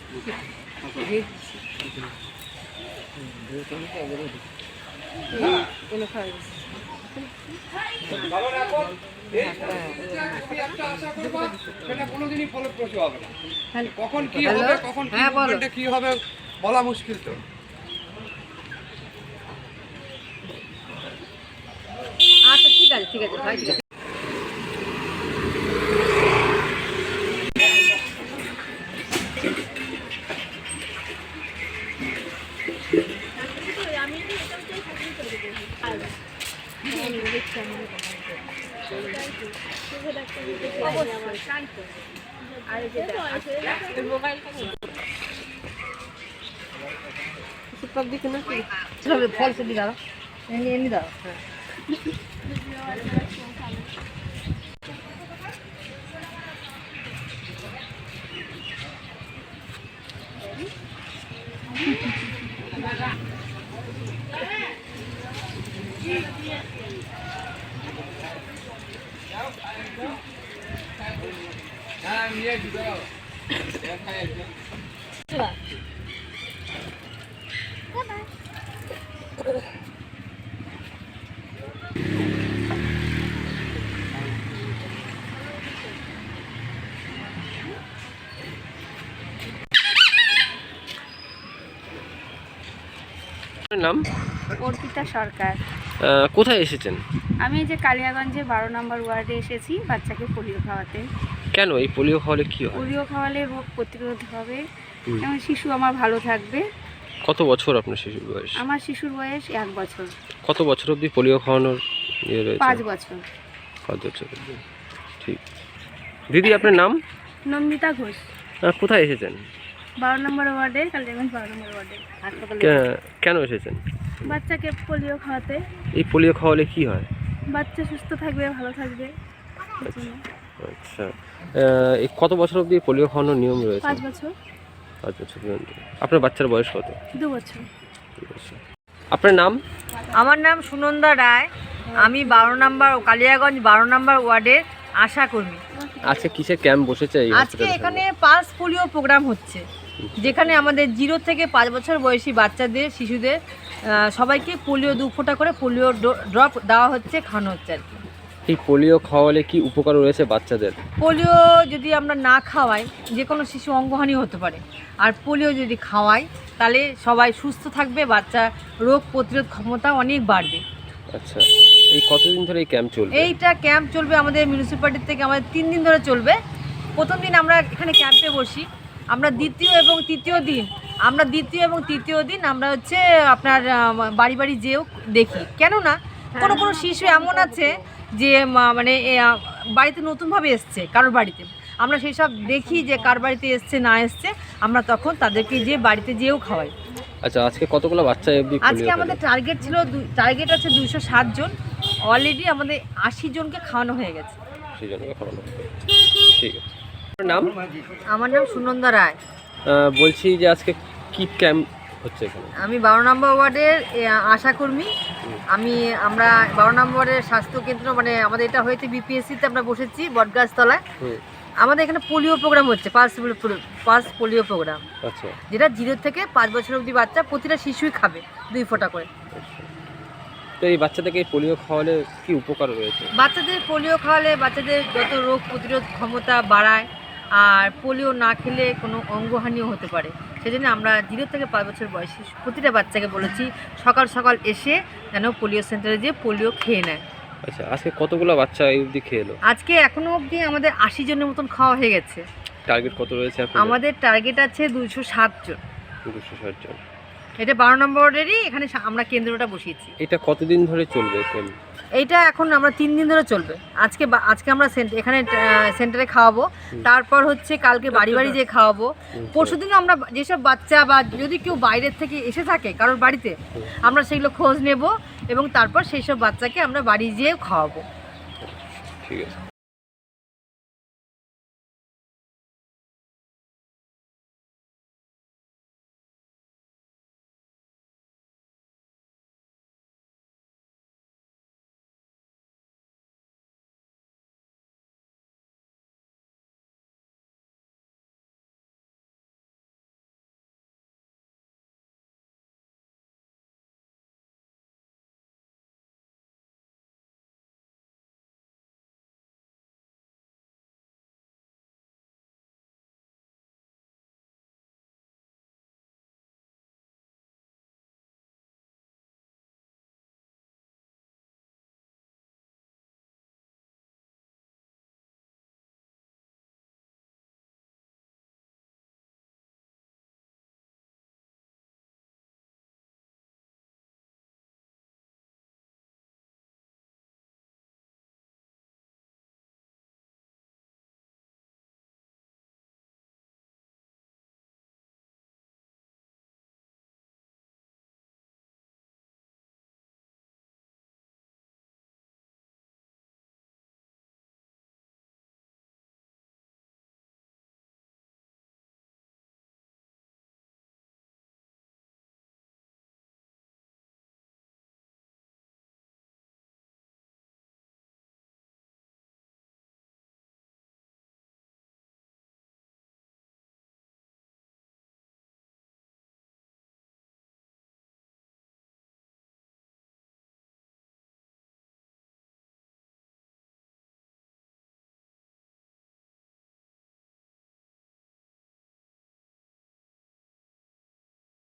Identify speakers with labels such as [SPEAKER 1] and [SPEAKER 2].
[SPEAKER 1] সেটা কোনোদিনই ফলপ্রসূ হবে না। কখন কি হবে, কখন কি হবে বলা মুশকিল। তো
[SPEAKER 2] আচ্ছা ঠিক আছে ঠিক আছে ভাই। ফল সবজি দাও, এমনি দাও।
[SPEAKER 3] নাম
[SPEAKER 4] অর্পিতা সরকার।
[SPEAKER 3] কোথায় এসেছেন?
[SPEAKER 4] আমি এই যে কালিয়াগঞ্জে 12 নম্বর ওয়ার্ডে এসেছি বাচ্চাকে পোলিও খাওয়াতে।
[SPEAKER 3] কেন এই পোলিও খাওয়ালে কি হয়?
[SPEAKER 4] পোলিও খাওয়ালে রোগ প্রতিরোধ হবে এবং শিশু আমার ভালো থাকবে।
[SPEAKER 3] কত বছর আপনার শিশুর বয়স?
[SPEAKER 4] আমার শিশুর বয়স 1 বছর।
[SPEAKER 3] কত বছর অবধি পোলিও খাওয়ানোর ইয়ে রয়েছে?
[SPEAKER 4] 5 বছর।
[SPEAKER 3] 5 বছর অবধি। ঠিক। দিদি আপনার নাম?
[SPEAKER 4] নন্দিতা ঘোষ।
[SPEAKER 3] কোথায় এসেছেন?
[SPEAKER 4] 12 নম্বর ওয়ার্ডে, কালিয়াগঞ্জ 12 নম্বর ওয়ার্ডে হাসপাতালে।
[SPEAKER 3] কেন এসেছেন?
[SPEAKER 4] বাচ্চাকে পোলিও খাওয়াতে।
[SPEAKER 3] এই পোলিও খাওয়ালে কি হয়?
[SPEAKER 4] বাচ্চা সুস্থ থাকবে, ভালো থাকবে।
[SPEAKER 3] আচ্ছা, এই কত বছর অবধি পোলিও খাওয়ানোর নিয়ম রয়েছে?
[SPEAKER 4] 5 বছর।
[SPEAKER 3] 5 বছর পর্যন্ত। আপনার বাচ্চার বয়স কত?
[SPEAKER 4] 2 বছর।
[SPEAKER 3] আপনার নাম?
[SPEAKER 2] আমার নাম সুনন্দা রায়। আমি 12 নম্বর কালিয়াগঞ্জ 12 নম্বর ওয়ার্ডের আশা কর্মী।
[SPEAKER 3] আজকে কিসের ক্যাম্প বসেছে?
[SPEAKER 2] আজকে এখানে পালস পোলিও প্রোগ্রাম হচ্ছে, যেখানে আমাদের 0 থেকে 5 বছর বয়সী বাচ্চাদের, শিশুদের সবাইকে পোলিও 2 ফোঁটা করে পোলিও ড্রপ দেওয়া হচ্ছে, খাওয়ানো হচ্ছে আর কি।
[SPEAKER 3] এই পোলিও খাওয়ালে কি উপকার রয়েছে বাচ্চাদের?
[SPEAKER 2] পোলিও যদি আমরা না খাওয়াই, যে কোনো শিশু অঙ্গহানি হতে পারে, আর পোলিও যদি খাওয়াই তাহলে সবাই সুস্থ থাকবে, বাচ্চা রোগ প্রতিরোধ ক্ষমতা অনেক বাড়বে।
[SPEAKER 3] আচ্ছা, এই কতদিন ধরে এই ক্যাম্প চলবে?
[SPEAKER 2] এইটা ক্যাম্প চলবে আমাদের মিউনিসিপ্যালিটি থেকে, আমাদের 3 দিন ধরে চলবে। প্রথম দিন আমরা এখানে ক্যাম্পে বসি, আমরা দ্বিতীয় এবং তৃতীয় দিন আমরা হচ্ছে আপনার বাড়ি বাড়ি যেও দেখি। কেননা কোনো কোনো শিশু এমন আছে যে মানে বাড়িতে নতুনভাবে এসছে, কারোর বাড়িতে আমরা সেই সব দেখি যে কার বাড়িতে এসছে না এসছে, আমরা তখন তাদেরকে যে বাড়িতে যেও খাওয়াই।
[SPEAKER 3] আচ্ছা, আজকে কতগুলো বাচ্চা অবধি?
[SPEAKER 2] আজকে আমাদের টার্গেট আছে 260 জন। অলরেডি আমাদের 80 জনকে খাওয়ানো হয়ে গেছে।
[SPEAKER 3] ঠিক আছে। নাম?
[SPEAKER 2] আমার নাম সুনন্দা রায়।
[SPEAKER 3] বলছি যে আজকে কি ক্যাম্প হচ্ছে এখানে?
[SPEAKER 2] আমি 12 নম্বর ওয়ার্ডের আশাকর্মী। আমরা 12 নম্বর ওয়ার্ডের স্বাস্থ্যকেন্দ্র, মানে আমাদের এটা হয়েছে বিপিএসসিতে, আমরা বসেছি বটগাছতলায়। আমাদের এখানে পোলিও প্রোগ্রাম হচ্ছে, পালস পোলিও প্রোগ্রাম।
[SPEAKER 3] আচ্ছা,
[SPEAKER 2] যেটা 0 থেকে 5 বছর অবধি বাচ্চা প্রতিটা শিশুই খাবে 2 ফোঁটা করে।
[SPEAKER 3] তো এই বাচ্চাদেরকে পোলিও খাওয়ালে কি উপকার রয়েছে?
[SPEAKER 2] বাচ্চাদের পোলিও খাওয়ালে বাচ্চাদের যত রোগ প্রতিরোধ ক্ষমতা বাড়ায়, আর পোলিও না খেলে কোনো অঙ্গহানিও হতে পারে। সেজন্য আমরা 0 থেকে 5 বছর বয়সী প্রতিটা বাচ্চাকে বলেছি সকাল সকাল এসে যেন পোলিও সেন্টারে যেয়ে পোলিও খেয়ে নেয়।
[SPEAKER 3] আচ্ছা, আজকে কতগুলো বাচ্চা এই অবধি খেলো?
[SPEAKER 2] আজকে এখনো অবধি আমাদের 80 জনের মতন খাওয়া হয়ে গেছে।
[SPEAKER 3] টার্গেট কত রয়েছে এখন?
[SPEAKER 2] আমাদের টার্গেট আছে 260 জন।
[SPEAKER 3] 260 জন।
[SPEAKER 2] এটা 12 নম্বর ওয়ার্ডেরই এখানে আমরা কেন্দ্রটা বসিয়েছি।
[SPEAKER 3] এটা কতদিন ধরে চলবে ক্যাম্প?
[SPEAKER 2] এইটা এখন আমরা 3 দিন ধরে চলবে। আজকে আমরা এখানে সেন্টারে খাওয়াবো, তারপর হচ্ছে কালকে বাড়ি বাড়ি যেয়ে খাওয়াবো। পরশুদিন আমরা যেসব বাচ্চা বা যদি কেউ বাইরের থেকে এসে থাকে কারোর বাড়িতে, আমরা সেগুলো খোঁজ নেব এবং তারপর সেই সব বাচ্চাকে আমরা বাড়ি যেয়ে খাওয়াবো।
[SPEAKER 3] ঠিক আছে।